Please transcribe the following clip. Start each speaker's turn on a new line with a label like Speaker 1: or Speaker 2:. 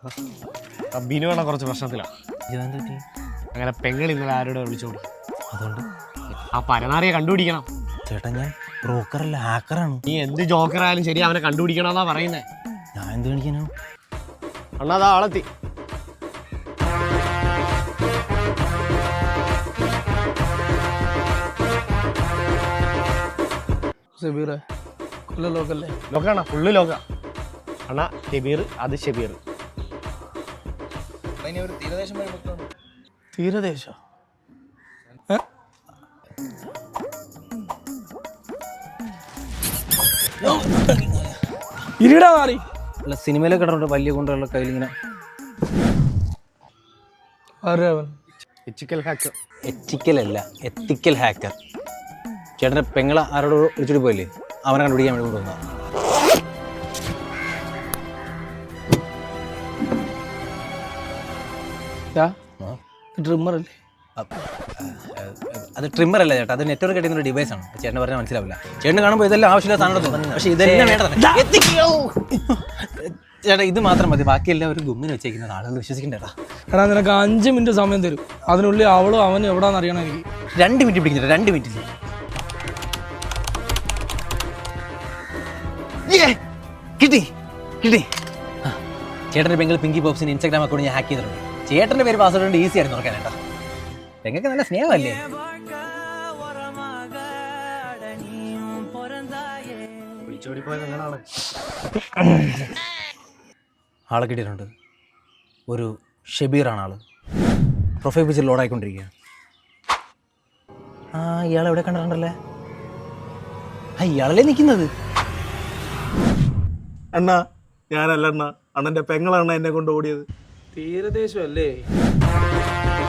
Speaker 1: ബിനു വേണം കുറച്ച് പ്രശ്നത്തിലാണ്. അങ്ങനെ പെങ്ങൾ ഇന്നലെ ആരോടെ വിളിച്ചോടി. അതുകൊണ്ട് ആ പരനാറിയെ കണ്ടുപിടിക്കണം.
Speaker 2: ചേട്ടാ ഞാൻ ബ്രോക്കറല്ല, ഹാക്കറാണ്.
Speaker 1: നീ എന്ത് ജോക്കറായാലും ശരി അവനെ കണ്ടുപിടിക്കണമെന്നാ പറയുന്നേ.
Speaker 2: ഞാൻ എന്ത് കാണിക്കാനോ?
Speaker 1: അണ്ണാ അതാ ആളെത്തി. ലോക്കാണ, ഫുള്ള് ലോക. അണ്ണാ ഷെബീർ, അത് ഷെബീർ.
Speaker 3: തീരദേശം ഇരിടാ മാറി.
Speaker 2: അല്ല സിനിമയിലൊക്കെ ഇടണ്ട വലിയ കൊണ്ടുള്ള കയ്യിലിങ്ങനെ. എത്തിക്കലല്ല, എത്തിക്കൽ ഹാക്കർ. ചേട്ടൻ്റെ പെങ്ങളെ ആരോട് വിളിച്ചിട്ട് പോയില്ലേ, അവനെ കണ്ടുപിടിക്കാൻ വേണ്ടി കൊണ്ടുവന്ന.
Speaker 3: ട്രിമ്മർ അല്ലേ?
Speaker 2: അത് ട്രിമ്മർ അല്ല ചേട്ടാ, അത് നെറ്റ്വർക്ക് കിട്ടുന്ന ഒരു ഡിവൈസ് ആണ്. ചേട്ടന് പറഞ്ഞാൽ മനസ്സിലാവില്ല. ചേട്ടന് കാണുമ്പോൾ ഇതെല്ലാം ആവശ്യമില്ല സാധനം, പക്ഷെ ഇതെല്ലാം വേണ്ടതാണ്. ചേട്ടാ ഇത് മാത്രം മതി, ബാക്കിയെല്ലാം ഒരു ഗുമ്മിന് വെച്ചേക്കുന്നത്. ആളുകൾ വിശ്വസിക്കണ്ടേട്ടാ.
Speaker 3: എടാ നിനക്ക് 5 മിനിറ്റ് സമയം തരും, അതിനുള്ളിൽ അവളും അവനും എവിടാന്ന് അറിയണം എനിക്ക്.
Speaker 2: 2 മിനിറ്റ് പിടിക്കുന്നില്ല, 2 മിനിറ്റ്. കിട്ടി കിട്ടി. ചേട്ടൻ്റെ പെങ്ങൾ പിങ്കി പോപ്സിന് ഇൻസ്റ്റാഗ്രാം അക്കൗണ്ട് ഞാൻ ഹാക്ക് ചെയ്തിട്ടുണ്ട്. ചേട്ടൻ്റെ പേര് പാസ്വേഡ് കൊണ്ട് ഈസി ആയിരുന്നു നോക്കാനേട്ടാ. പെങ്ങൾക്ക് നല്ല സ്നേഹമല്ലേ? ആളെ കിട്ടിയിട്ടുണ്ട്. ഒരു ഷെബീറാണ് ആള്. പ്രൊഫൈൽ പിക്ചർ ലോഡായിക്കൊണ്ടിരിക്കുക. ആ ഇയാളെ എവിടെ കണ്ടിട്ടുണ്ടല്ലേ? ആ ഇയാളല്ലേ നിൽക്കുന്നത്?
Speaker 4: അണ്ണാ ഞാനല്ല അണ്ണാ, അണ്ണൻ്റെ പെങ്ങളാണ് എന്നെ കൊണ്ട് ഓടിയത്.
Speaker 3: തീരദേശം അല്ലേ?